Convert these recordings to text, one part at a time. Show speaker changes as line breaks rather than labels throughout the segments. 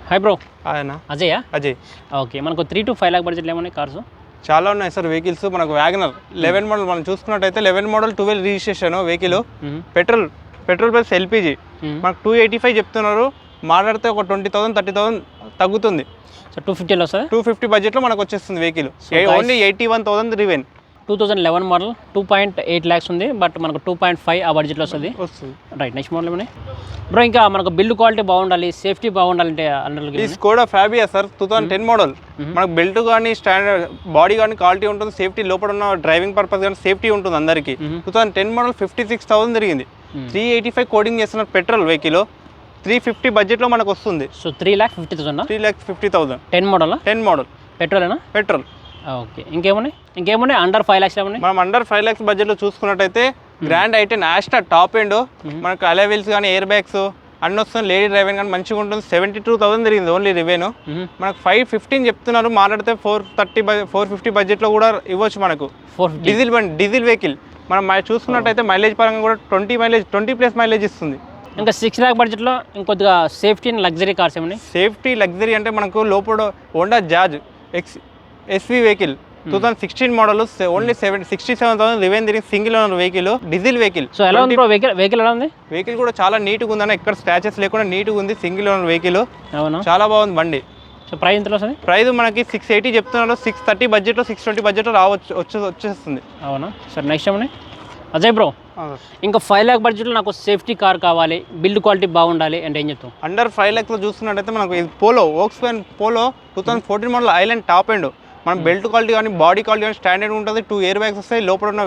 Hi bro.
ఆయన
Ajay.
Okay,
మనకు 3 to 5 lakh బడ్జెట్లో ఏమన్నాయి కార్స్?
చాలా ఉన్నాయి సార్ వెహికల్స్. మనకు వ్యాగనర్ 11 మోడల్ మనం చూసుకున్నట్టయితే 11 model 12 registration vehicle, petrol plus LPG. మనకు 285 చెప్తున్నారు, మాట్లాడితే ఒక 20,000 30,000 తగ్గుతుంది.
సో 250లో వస్తుంది.
250 బడ్జెట్లో మనకు వచ్చేస్తుంది వెహికల్. ఓన్లీ 81,000 రివెన్.
2011 మోడల్ 2.8 lakhs ఉంది, బట్ మనకు 2.5 ఆ బడ్జెట్లో వస్తుంది. రైట్, నెక్స్ట్ మోడల్ ఏమన్నాయి బ్రో? ఇంకా మనకు బిల్డ్ క్వాలిటీ బాగుండాలి, సేఫ్టీ బాగుండాలంటే
ఈ స్కోడా ఫ్యాబియా సార్ 2010 మోడల్. మనకు బెల్ట్ కానీ స్టాండర్డ్ బాడీ కానీ క్వాలిటీ ఉంటుంది, సేఫ్టీ లోపల ఉన్న డ్రైవింగ్ పర్పస్ కానీ సేఫ్టీ ఉంటుంది అందరికీ. 2010 మోడల్ 56,000 తిరిగింది. 385 కోడింగ్ చేస్తున్నారు పెట్రోల్ వెహికల్. 350 బడ్జెట్లో మనకు వస్తుంది.
సో 3,50,000.
3,50,000.
10 మోడల్. పెట్రోలేనా?
పెట్రోల్.
ఓకే, ఇంకేమున్నాయి అండర్ 5 lakhs ఏమన్నాయి?
మనం అండర్ 5 lakhs బడ్జెట్లో చూసుకున్నట్టయితే grand i ten Asta top end, మనకు అలా వీల్స్ కానీ ఎయిర్ బ్యాగ్స్ అన్నీ వస్తుంది. లేడీ డ్రైవింగ్ కానీ మంచిగా ఉంటుంది. 72,000 తిరిగింది ఓన్లీ రివేను. మనకు 515 చెప్తున్నారు, మాట్లాడితే 450 బడ్జెట్లో కూడా ఇవ్వచ్చు మనకు. డీజిల్ బండి, డీజిల్ వెహికల్. మనం చూసుకున్నట్టయితే మైలేజ్ పరంగా కూడా 20+ మైలేజ్ ఇస్తుంది.
ఇంకా 6 lakh బడ్జెట్లో ఇంకొద్దిగా సేఫ్టీ అండ్ లగ్జరీ కార్స్ ఏమన్నాయి?
సేఫ్టీ లగ్జరీ అంటే మనకు లోపల Honda Jazz SV vehicle 2016 model, only 67,000 రివెన్ తిరిగి single owner vehicle, diesel vehicle.
So ఎలా ఉంది వెహికల్ ఎలా ఉంది?
వెహికల్ కూడా చాలా నీట్గా ఉందన్న, ఎక్కడ స్క్రాచెస్ లేకుండా నీట్గా ఉంది. సింగిల్ ఓనర్ వెహికల్,
అవునా,
చాలా బాగుంది బండి.
సో ప్రైస్ ఎంత వస్తుంది?
ప్రైస్ మనకి 680 చెప్తున్నారు. 630 బడ్జెట్లో 620 బడ్జెట్లో వచ్చేస్తుంది.
అవునా సార్. నెక్స్ట్ ఏమన్నాయి అజయ్ బ్రో? ఇంకా 5 lakh బడ్జెట్లో నాకు సేఫ్టీ కార్ కావాలి, బిల్డ్ క్వాలిటీ బాగుండాలి అంటే ఏం చెప్తాం?
అండర్ 5 lakhsలో చూస్తున్నట్టయితే మనకు ఇది వోక్స్‌వ్యాగన్ పోలో 2014 మోడల్ ఐలాండ్ టాప్ ఎండ్. మనం బెల్ట్ క్వాలిటీ కానీ బాడీ క్వాలిటీ కానీ స్టాండర్డ్ ఉంటుంది. 2 ఎయిర్ బ్యాగ్స్ వస్తాయి. లోపల ఉన్న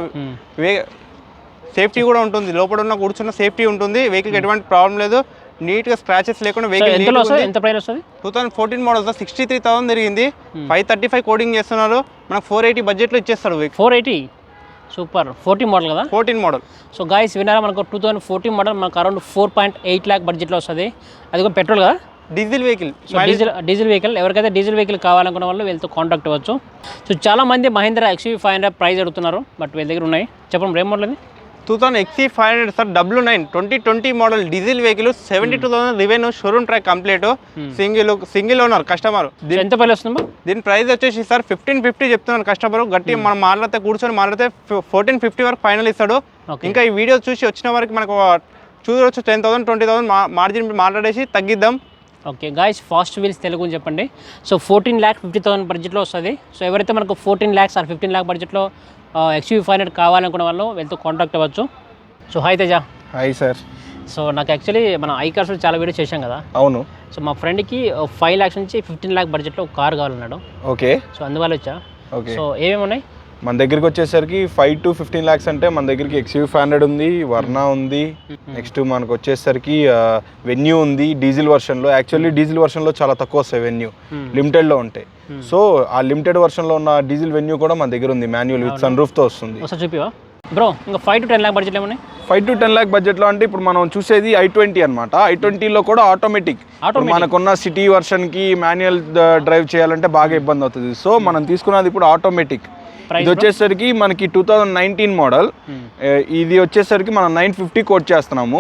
సేఫ్టీ కూడా ఉంటుంది. లోపల ఉన్న కూర్చున్న సేఫ్టీ ఉంటుంది. వెహికల్కి ఎటువంటి ప్రాబ్లం లేదు, నీట్గా స్క్రాచెస్ లేకుండా వెహికల్.
ఎంత ప్రైస్ వస్తుంది?
2014 మోడల్ 63,000 తిరిగింది. 535 కోడింగ్ చేస్తున్నారు. మనకు 480 బడ్జెట్లో ఇచ్చేస్తాడు.
480 సూపర్. 14 మోడల్ కదా?
14 మోడల్.
సో గాయస్ విన్నారా, మనకు 2014 మోడల్ మనకు అరౌండ్ 4.8 lakh బడ్జెట్లో వస్తుంది. అది కూడా పెట్రోల్ కదా?
Diesel vehicle.
Diesel vehicle. ఎవరికైతే డీజిల్ వెహికల్ కావాలనుకున్న వాళ్ళు వీళ్ళతో కాంటాక్ట్ అవ్వచ్చు. సో చాలా మంది మహీంద్రా XUV500 ప్రైస్ అడుగుతున్నారు, బట్ వీళ్ళ దగ్గర ఉన్నాయి. చెప్పండి ఏం మోడల్ అది?
2000 XC500 sir 99 2020 model diesel vehicle. 72,000 revenue, showroom track complete, single owner customer.
ఎంత ప్రైస్ వస్తుంది?
దీని ప్రైస్ వచ్చేసి సార్ 1550 చెప్తున్నాను కస్టమర్. గట్టి మనం మాట్లాడితే కూర్చొని మాట్లాడితే 1450 వరకు ఫైనల్ ఇస్తాడు. ఇంకా ఈ వీడియో చూసి వచ్చిన వరకు మనకు చూడవచ్చు 10,000 20,000 మార్జిన్ మాట్లాడేసి తగ్గిద్దాం.
Okay guys, fast wheels Telugu చెప్పండి. సో 14,50,000 బడ్జెట్లో వస్తుంది. సో ఎవరైతే మనకు 14 lakhs ఆర్ 15 lakh బడ్జెట్లో XUV500 కావాలనుకున్న వాళ్ళు వీళ్ళతో కాంటాక్ట్ అవ్వచ్చు. So hi Teja.
Hi sir.
So నాకు యాక్చువల్లీ మన ఐకార్స్లో చాలా వీడియో చేశాం కదా.
అవును.
సో మా ఫ్రెండ్కి 5 lakhs నుంచి 15 lakh బడ్జెట్లో ఒక కార్ కావాలన్నాడు.
ఓకే.
సో అందువల్ల వచ్చా.
ఓకే.
సో ఏమేమి ఉన్నాయి
మన దగ్గరికి వచ్చేసరికి 5 to 15 lakhs అంటే మన దగ్గరికి XUV500 ఉంది, వర్నా ఉంది, నెక్స్ట్ మనకు వచ్చేసరికి వెన్యూ ఉంది డీజిల్ వర్షన్లో. యాక్చువల్లీ డీజిల్ వర్షన్లో చాలా తక్కువ వస్తాయి వెన్యూ, లిమిటెడ్లో ఉంటాయి. సో ఆ లిమిటెడ్ వర్షన్లో ఉన్న డీజిల్ వెన్యూ కూడా మన దగ్గర ఉంది, మాన్యువల్ విత్ సన్ రూఫ్తో వస్తుంది.
చూపివా బ్రో? ఇంకా 5 to 10 lakh బడ్జెట్ ఏమన్నాయి?
5 to 10 lakh బడ్జెట్లో అంటే ఇప్పుడు మనం చూసేది i20 అనమాట. i20లో కూడా ఆటోమేటిక్. మనకున్న సిటీ వర్షన్కి మాన్యువల్ డ్రైవ్ చేయాలంటే బాగా ఇబ్బంది అవుతుంది. సో మనం తీసుకున్నది ఇప్పుడు ఆటోమేటిక్. ఇది వచ్చేసరికి మనకి 2019 మోడల్. ఇది వచ్చేసరికి మనం 950 కోట్ చేస్తున్నాము.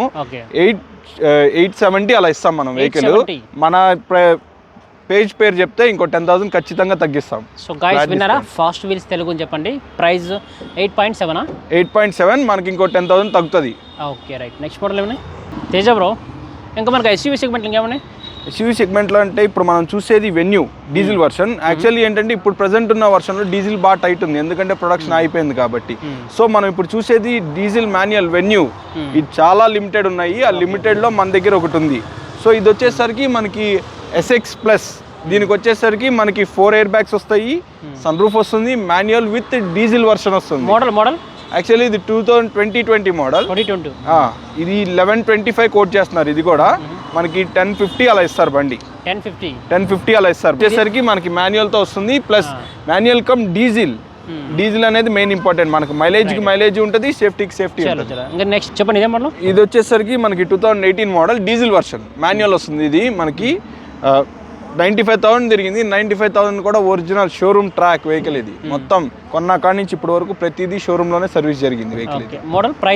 870 అలా ఇస్తాం మనం వెహికల్. మన పేజ్ పేరు చెప్తే ఇంకో 10,000 ఖచ్చితంగా తగ్గిస్తాం.
సో గైస్ విన్నారా, ఫాస్ట్ వీల్స్ తెలుగు చెప్పండి. ప్రైస్ 8.7.
8.7 మనకి ఇంకో 10,000 తగ్గుతుంది.
Okay right. నెక్స్ట్ మోడల్ ఏమన్నాయి తేజ బ్రో? ఇంకా మనకి SUV సెగ్మెంట్ ఇంకేమన్నాయి?
SUV సెగ్మెంట్లో అంటే ఇప్పుడు మనం చూసేది వెన్యూ డీజిల్ వర్షన్. యాక్చువల్లీ ఏంటంటే ఇప్పుడు ప్రజెంట్ ఉన్న వర్షన్లో డీజిల్ బాగా టైట్ ఉంది, ఎందుకంటే ప్రొడక్షన్ అయిపోయింది కాబట్టి. సో మనం ఇప్పుడు చూసేది డీజిల్ మాన్యువల్ వెన్యూ. ఇది చాలా లిమిటెడ్ ఉన్నాయి. ఆ లిమిటెడ్లో మన దగ్గర ఒకటి ఉంది. సో ఇది వచ్చేసరికి మనకి SX+. దీనికి వచ్చేసరికి మనకి 4 ఎయిర్ బ్యాగ్స్ వస్తాయి, సన్ రూఫ్ వస్తుంది, మాన్యువల్ విత్ డీజిల్ వర్షన్ వస్తుంది.
మోడల్
యాక్చువల్లీ ఇది 2020 మోడల్. ఇది 1125 కోట్ చేస్తున్నారు. ఇది కూడా మనకి 1050 అలా ఇస్తారు బండి. 1050 అలా ఇస్తారు. వచ్చేసరికి మనకి మాన్యువల్తో వస్తుంది, plus manual cum diesel. Diesel అనేది మెయిన్ ఇంపార్టెంట్. మనకి మైలేజ్ ఉంటుంది, సేఫ్టీకి సేఫ్టీ ఉంటుంది.
నెక్స్ట్ చెప్పండి ఇదే మోడల్.
ఇది వచ్చేసరికి మనకి 2018 మోడల్ డీజిల్ వర్షన్ మాన్యువల్ వస్తుంది. ఇది మనకి 95,000 తిరిగింది. 95,000 కూడా ఒరిజినల్ షోరూమ్ ట్రాక్ వెహికల్. ఇది మొత్తం కొన్న కాడి నుంచి ఇప్పటి వరకు ప్రతిదీ షోరూమ్ లోనే సర్వీస్ జరిగింది వెహికల్.
మోడల్ ప్రైస్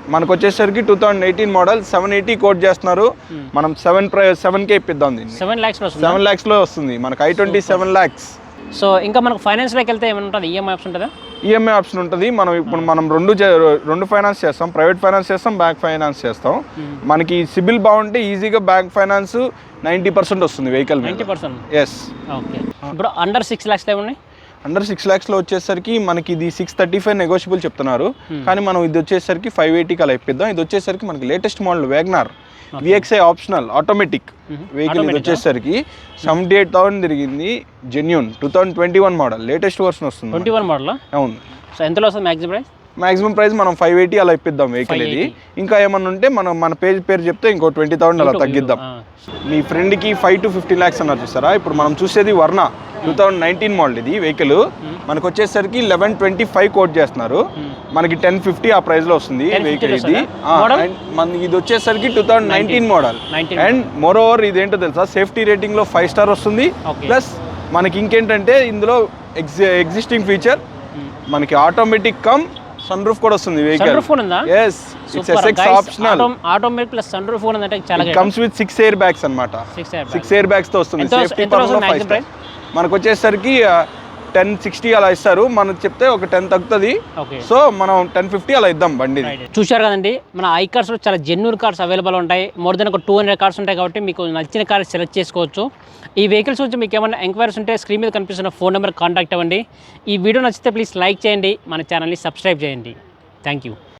మనకు వచ్చేసరికి 2018 మోడల్ 780 కోట్ చేస్తున్నారు. మనం 7K ఇప్పిద్దాం దీన్ని.
7 lakhs వస్తుంది.
7 lakhsలో వస్తుంది మనకు i20 7 lakhs.
సో ఇంకా మనకు ఫైనాన్స్లోకి వెళ్తే ఏమైనా ఉంటుంది, ఈఎంఐ ఆప్షన్ ఉంటుందా?
ఈఎంఐ ఆప్షన్ ఉంటుంది. మనం ఇప్పుడు మనం రెండు ఫైనాన్స్ చేస్తాం, ప్రైవేట్ ఫైనాన్స్ చేస్తాం, బ్యాంక్ ఫైనాన్స్ చేస్తాం. మనకి సిబిల్ బాగుంటే ఈజీగా బ్యాంక్ ఫైనాన్స్ 90% వస్తుంది వెహికల్.
90%.
ఎస్.
ఓకే. ఇప్పుడు అండర్ 6 lakhs ఏమున్నాయి?
అండర్ 6 lakhsలో వచ్చేసరికి మనకి ఇది 635 నెగోషియబుల్ చెప్తున్నారు, కానీ మనం ఇది వచ్చేసరికి 580 అలా ఇప్పిద్దాం. ఇది వచ్చేసరికి మనకి latest model WagonR VXI optional automatic vehicle. ఇది వచ్చేసరికి 78,000 తిరిగింది, జెన్యూన్ 2021 మోడల్, లేటెస్ట్ వర్షన్ వస్తుంది.
21 మోడల్.
అవును.
సో ఎంతలో వస్తుంది మ్యాక్సిమం ప్రైస్?
మాక్సిమం ప్రైస్ మనం 580 అలా ఇప్పిద్దాం వెహికల్. ఇది ఇంకా ఏమన్నా ఉంటే మనం మన పేరు చెప్తే ఇంకో 20,000 అలా తగ్గిద్దాం. మీ ఫ్రెండ్కి 5 to 15 lakhs అన్నారు చూసారా, ఇప్పుడు మనం చూసేది వర్ణ 2019 మోడల్. ఇది వెహికల్ మనకు వచ్చేసరికి 1125 కోట్ చేస్తున్నారు, మనకి 1050 ఆ ప్రైస్ లో వస్తుంది వెహికల్. ఇది మనకి ఇది వచ్చేసరికి 2019 మోడల్. అండ్ మోర్ ఓవర్ ఇదేంటో తెలుసా, సేఫ్టీ రేటింగ్ లో 5 star వస్తుంది. ప్లస్ మనకి ఇంకేంటంటే ఇందులో ఎగ్జిస్టింగ్ ఫీచర్ మనకి ఆటోమేటిక్ కమ్ సన్ రూఫ్ కూడా వస్తుంది vehicle. yes it's SX optional
automatic plus sun roof ఉందంటే చాలా
it comes with 6 air bags అన్నమాట. 6 air bags తో వస్తుంది. సేఫ్టీ పరంగా 5 star. మనకు వచ్చేసరికి 1060 అలా ఇస్తారు, మనకు చెప్తే ఒక 10 తగ్గుతుంది. సో మనం 1050 అలా ఇద్దాం బండి.
చూశారు కదండి, మన ఐ కార్స్లో చాలా జెన్యూన్ కార్స్ అవైలబుల్ ఉంటాయి. మోర్ దెన్ ఒక 200 కార్స్ ఉంటాయి కాబట్టి మీకు నచ్చిన కార్ సెలెక్ట్ చేసుకోవచ్చు. ఈ వెహికల్స్ గురించి మీకు ఏమైనా ఎంక్వైరీస్ ఉంటే స్క్రీన్ మీద కనిపిస్తున్న ఫోన్ నెంబర్ కాంటాక్ట్ అవ్వండి. ఈ వీడియో నచ్చితే ప్లీజ్ లైక్ చేయండి, మన ఛానల్ని సబ్స్క్రైబ్ చేయండి. Thank you.